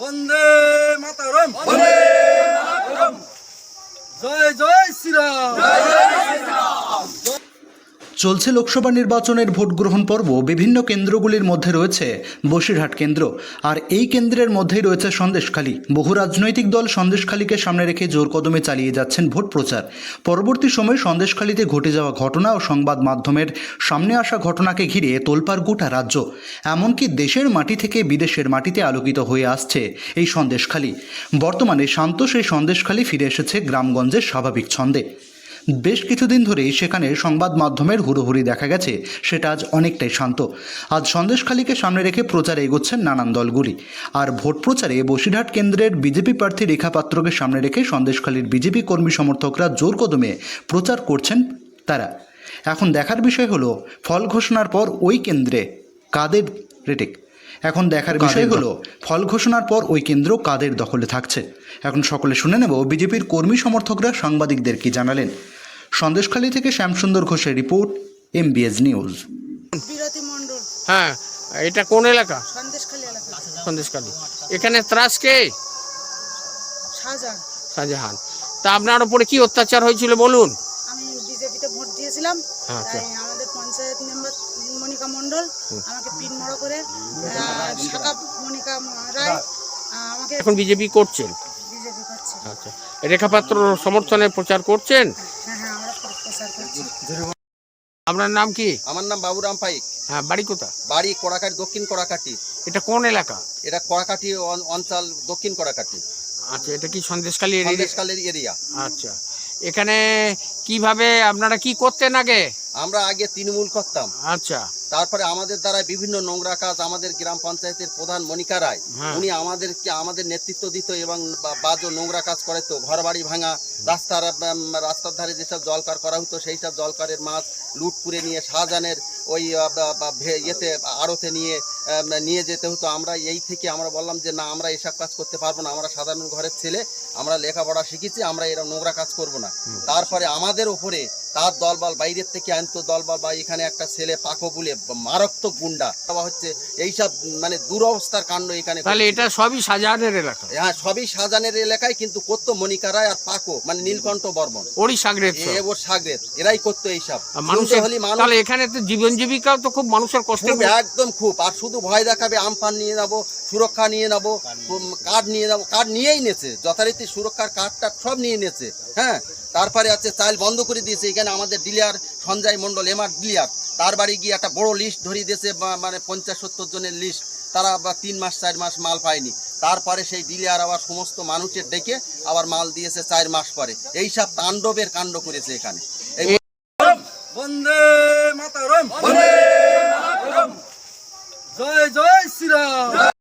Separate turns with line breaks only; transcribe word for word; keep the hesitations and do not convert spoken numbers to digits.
বন্দে মাতরম, বন্দে মাতরম, জয় জয় শ্রীরাম, জয় জয় শ্রীরাম।
চলছে লোকসভা নির্বাচনের ভোট গ্রহণ পর্ব। বিভিন্ন কেন্দ্রগুলির মধ্যে রয়েছে বসিরহাট কেন্দ্র, আর এই কেন্দ্রের মধ্যেই রয়েছে সন্দেশখালী। বহু রাজনৈতিক দল সন্দেশখালীকে সামনে রেখে জোর কদমে চালিয়ে যাচ্ছেন ভোট প্রচার। পরবর্তী সময়ে সন্দেশখালীতে ঘটে যাওয়া ঘটনা ও সংবাদ মাধ্যমের সামনে আসা ঘটনাকে ঘিরে তোলপাড় গোটা রাজ্য, এমনকি দেশের মাটি থেকে বিদেশের মাটিতে আলোকিত হয়ে আসছে এই সন্দেশখালী। বর্তমানে শান্ত সেই সন্দেশখালী ফিরে এসেছে গ্রামগঞ্জের স্বাভাবিক ছন্দে। বেশ কিছুদিন ধরেই সেখানে সংবাদ মাধ্যমের হুড়োহুড়ি দেখা গেছে, সেটা আজ অনেকটাই শান্ত। আজ সন্দেশখালীকে সামনে রেখে প্রচারে এগোচ্ছেন নানান দলগুলি। আর ভোট প্রচারে বসিরহাট কেন্দ্রের বিজেপি প্রার্থী রেখা পাত্রকে সামনে রেখে সন্দেশখালীর বিজেপি কর্মী সমর্থকরা জোর কদমে প্রচার করছেন তারা। এখন দেখার বিষয় হলো ফল ঘোষণার পর ওই কেন্দ্রে কাদের রেটিক এখন দেখার বিষয় হলো ফল ঘোষণার পর ওই কেন্দ্র কাদের দখলে থাকছে। এখন সকলে শুনে নেব বিজেপির কর্মী সমর্থকরা সাংবাদিকদের কি জানালেন। সন্দেশখালী থেকে শ্যামসুন্দর ঘোষের রিপোর্ট, এমবিএস নিউজ।
বিরতি মণ্ডল,
হ্যাঁ, এটা কোন এলাকা?
সন্দেশখালী এলাকা।
সন্দেশখালী। এখানে ত্রাস কে?
শাহজাহান।
শাহজাহান। তা আপনার উপরে কি অত্যাচার হয়েছিল বলুন?
আমি বিজেপিতে ভোট দিয়েছিলাম,
আচ্ছা।
তাই আমাদের পঞ্চায়েত মেম্বার মনিকা মণ্ডল আমাকে পিন মড়ো করে আহ, শাখা মনিকা রায় আহ, আমাকে
এখন বিজেপি করছেন?
বিজেপি করছে।
আচ্ছা, রেখাপাত্র সমর্থনে প্রচার করছেন?
হ্যাঁ হ্যাঁ, আমরা প্রচার করছি।
আপনার নাম কি?
আমার নাম বাবুরাম পাইক।
হ্যাঁ, বাড়ি কোথায়?
বাড়ি কড়াকাটি, দক্ষিণ কড়াকাটি।
এটা কোন এলাকা?
এটা কড়াকাটি অন- অঞ্চল, দক্ষিণ কড়াকাটি,
আচ্ছা, এটা কি সন্দেশখালী এরিয়া?
সন্দেশকালের এরিয়া।
আচ্ছা, এখানে কিভাবে আপনারা কি করতেন আগে?
আমরা আগে তৃণমূল করতাম,
আচ্ছা,
তারপরে আমাদের দ্বারা বিভিন্ন নোংরা কাজ, আমাদের গ্রাম পঞ্চায়েতের প্রধান মনিকা রায়,
হ্যাঁ।
উনি আমাদেরকে আমাদের নেতৃত্ব দিত এবং বা- বাজো নোংরা কাজ করাতো, ঘর বাড়ি ভাঙা, রাস্তার উম, রাস্তার ধারে যেসব জলকার করা হতো সেই সব জলকারের মাছ লুট করে নিয়ে শাহজাহানের ওই আহ, বা- বা ভে- ইয়েতে আড়তে নিয়ে আহ, নিয়ে যেতে হতো। আমরা এই থেকে আমরা বললাম যে না, আমরা এসব কাজ করতে পারবো না, আমরা সাধারণ ঘরের ছেলে, আমরা লেখাপড়া শিখেছি, আমরা এরকম নোংরা কাজ করব না। তারপরে আমাদের ওপরে তার দলবল বাইরের থেকে আনতো দলবল, বা এখানে একটা ছেলে পাকো বলে মারাত্মক গুন্ডা দেওয়া হচ্ছে, এইসব মানে দুরবস্থার কাণ্ড এখানে।
তাহলে এটা সবই শাহজাহানের এলাকা?
হ্যাঁ, সবই শাহজাহানের এলাকায়, কিন্তু করতো মনিকা রায় আর পাকো, মানে নীলকণ্ঠ বর্মন,
ওরই সাগরেদ
এ ওর সাগরেদ, এরাই করতো এইসব।
মানুষের।
শুনতে হলে মানুষ
তাহলে এখানে তো জীবন জীবিকাও তো খুব মানুষের কষ্ট।
খুব, একদম খুব। আর শুধু ভয় দেখাবে, আমফান নিয়ে যাবো, সুরক্ষা নিয়ে যাবো, কার্ড নিয়ে যাবো, কার্ড নিয়েই নেছে, যথারীতি সুরক্ষার কার্ডটা সব নিয়ে নেছে। হ্যাঁ, তারপরে আছে চাল বন্ধ করে দিয়েছে। এখানে আমাদের dealer Sanjay Mondal, MR dealer, তার বাড়ি গিয়ে একটা বড় লিস্ট ধরিয়ে দিয়েছে, মানে পঞ্চাশ সত্তর জনের লিস্ট, তারা আবার তিন মাস চার মাস মাল পায়নি। তারপরে সেই ডিলার আবার সমস্ত মানুষের ডেকে আবার মাল দিয়েছে চার মাস পরে। এইসব তাণ্ডবের কাণ্ড করেছে এখানে। এই
বন্দে মাতরম, বন্দে মাতরম, জয় জয় শ্রীরাম।